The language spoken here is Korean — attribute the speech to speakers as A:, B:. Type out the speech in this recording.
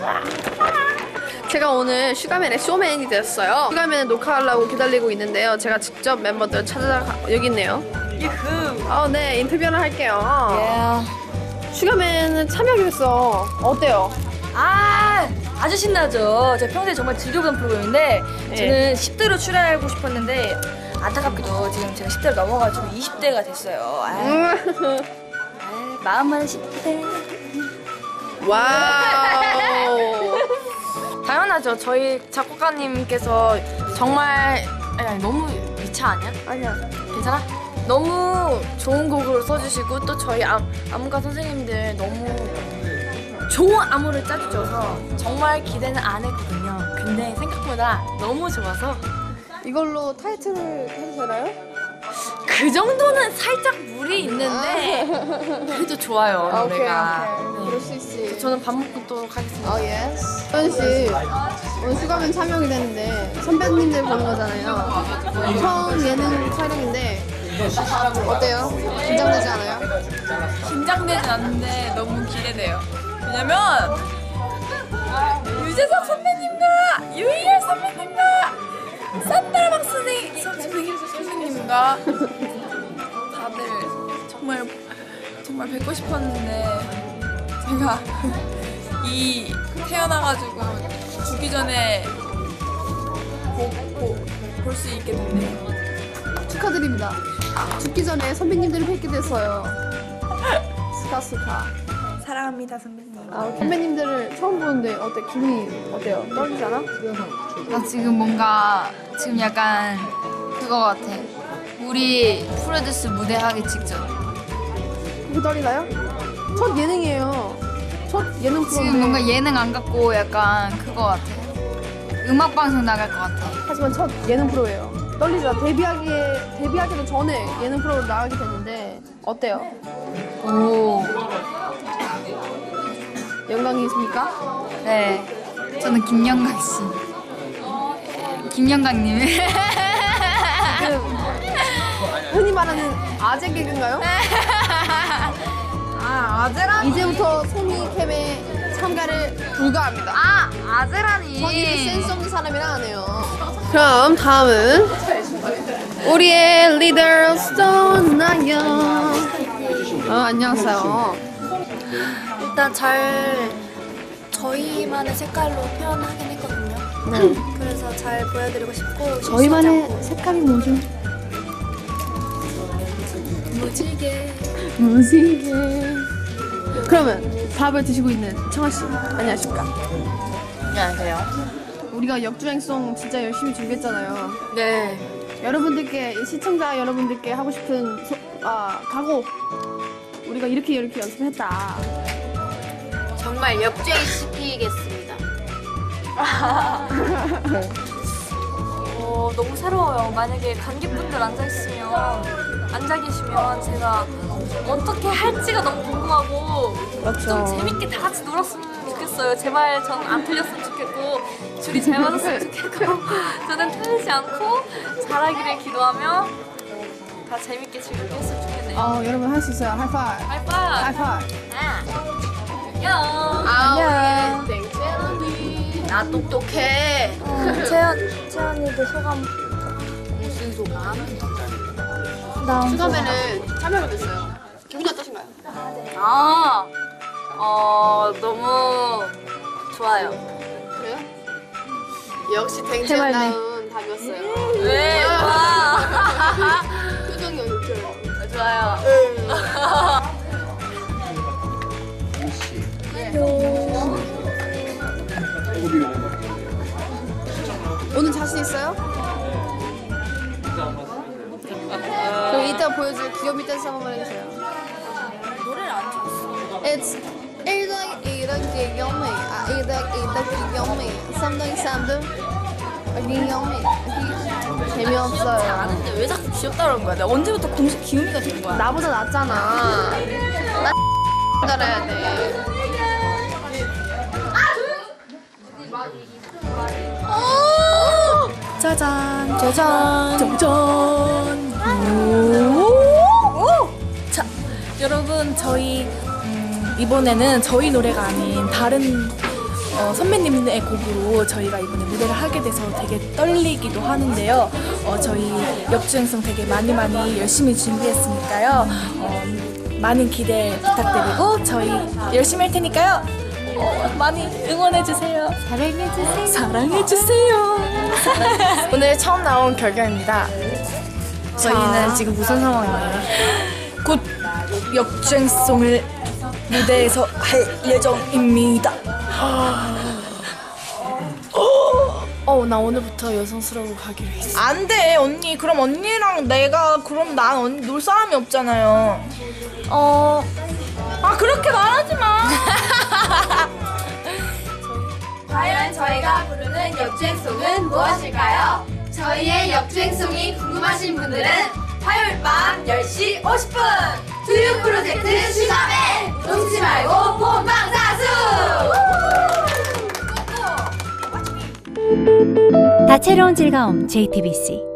A: 제가 오늘 슈가맨의 쇼맨이 됐어요. 슈가맨을 녹화하려고 기다리고 있는데요. 제가 직접 멤버들 찾아가 여기 있네요. 유후. 네, 인터뷰를 할게요. 슈가맨은 참여하게 됐어. 어때요?
B: 아주 신나죠. 제가 평소에 정말 즐겨보는 프로그램인데 저는 10대로 출연하고 싶었는데 안타깝게도 지금 제가 10대를 넘어가지고 20대가 됐어요. 마음은 10대.
A: 와우.
B: 당연하죠. 저희 작곡가님께서 정말 아니, 너무 미차 아니야?
A: 아니야.
B: 괜찮아? 너무 좋은 곡을 써주시고 또 저희 안무가 선생님들 너무 좋은 안무를 짜주셔서 정말 기대는 안 했거든요. 근데 생각보다 너무 좋아서
A: 이걸로 타이틀을 해도 되나요?
B: 그 정도는 살짝 무리 있는데 그래도 좋아요 노래가.
A: 오케이. 그럴 수 있지.
B: 저는 밥 먹고 또 가겠습니다.
A: 예스. 소연 씨, 오늘 슈가맨 참여하게 되는데 선배님들 보는 거잖아요. 처음 예능 촬영인데 어때요? 긴장되지 않아요?
C: 긴장되진 않는데 너무 기대돼요. 왜냐면 유재석 선배님과 유희열 선배님과 산다라방 선생님과 다들 정말 뵙고 싶었는데 제가 이 태어나가지고 죽기 전에 볼 수 있게 됐네요.
A: 축하드립니다. 죽기 전에 선배님들을 뵙게 됐어요. 스카.
C: 사랑합니다 선배님.
A: 선배님들을 처음 보는데 기분이 어때요? 떨리잖아?
D: 나 지금 뭔가 지금 약간 그거 같아. 우리 프로듀스 무대 하기 직전.
A: 그거 떨리나요? 첫 예능이에요. 첫 예능 프로인데
D: 지금 뭔가 예능 안 갖고 약간 그거 같아. 음악 방송 나갈 것 같아.
A: 하지만 첫 예능 프로예요. 떨리죠? 데뷔하기도 전에 예능 프로로 나가게 됐는데 어때요?
D: 오.
A: 영광이십니까?
D: 네. 저는 김영광 씨. 김영광님.
A: 흔히 말하는 아재 개그인가요?
D: 아재라니.
A: 이제부터 소미캠에 참가를 불가합니다.
D: 아재라니.
A: 전 이렇게 센스 없는 사람이랑 안 해요. 그럼 다음은 우리의 리더 스톤나요. 안녕하세요.
B: 일단 저희만의 색깔로 표현하긴 했거든요. 그래서 잘 보여드리고 싶고
A: 저희만의 색깔이 뭐죠? 무지개. 그러면 밥을 드시고 있는 청아 씨 안녕하십니까?
B: 안녕하세요.
A: 우리가 역주행송 진짜 열심히 준비했잖아요.
B: 네.
A: 여러분들께 시청자 여러분들께 하고 싶은 각오. 우리가 이렇게 연습했다.
B: 정말 역주행 시키겠습니다. 너무 새로워요. 만약에 관객분들 앉아 계시면 제가 어떻게 할지가 너무 궁금하고 좀 재밌게 다 같이 놀았으면 좋겠어요. 제 말 전 안 틀렸으면 좋겠고 줄이 잘 맞았으면 좋겠고 저는 틀리지 않고 잘하기를 기도하며 다 재밌게 즐겁게 했으면 좋겠네요.
A: 여러분 할 수 있어요. 하이파이브.
B: 하이파이브.
A: 안녕.
B: 안녕.
A: 땡채언니.
B: 나 똑똑해. 채연이도 소감. 무슨 소감?
A: 슈가맨은 참여가 됐어요. 기분이 어떠신가요?
B: 너무 좋아요.
A: 그래요? 역시 땡채언다운 답이었어요.
B: 왜?
A: 표정이 어때요?
B: 좋아요.
A: 오늘 자신 있어요? 그럼 이따 보여줄 귀요미 댄스 한 번만 해주세요.
B: 노래를 안 쳤어.
A: It's 1더하기 2더하기 귀요미 귀요미 3더하기 3도 귀요미 재미없어요.
B: 아는데 왜 자꾸 귀엽다 그런 거야? 내가 언제부터 공식 기우미가 된 거야?
A: 나보다 낫잖아. 나 잘해야 돼.
B: 짜잔. 자, 여러분 저희 이번에는 저희 노래가 아닌 다른
C: 선배님의 곡으로 저희가 이번에 무대를 하게 돼서 되게 떨리기도 하는데요. 저희 역주행성 되게 많이 열심히 준비했으니까요. 많은 기대 부탁드리고 저희 열심히 할 테니까요. 많이 응원해주세요. 사랑해주세요. 오늘 처음 나온 결과입니다. 저희는 지금 무슨 상황이에요? 곧 역주행성을 무대에서 할 예정입니다. 나 오늘부터 여성스러워 가기로 했어. 안 돼, 언니. 그럼 언니랑 내가 그럼 난 언니 놀 사람이 없잖아요. 그렇게 말하지 마.
E: 과연 저희가 부르는 역주행송은 무엇일까요? 저희의 역주행송이 궁금하신 분들은 화요일 밤 10시 50분 두유 프로젝트 슈가맨 놓치지 말고 본방사수!
F: 다채로운 즐거움 JTBC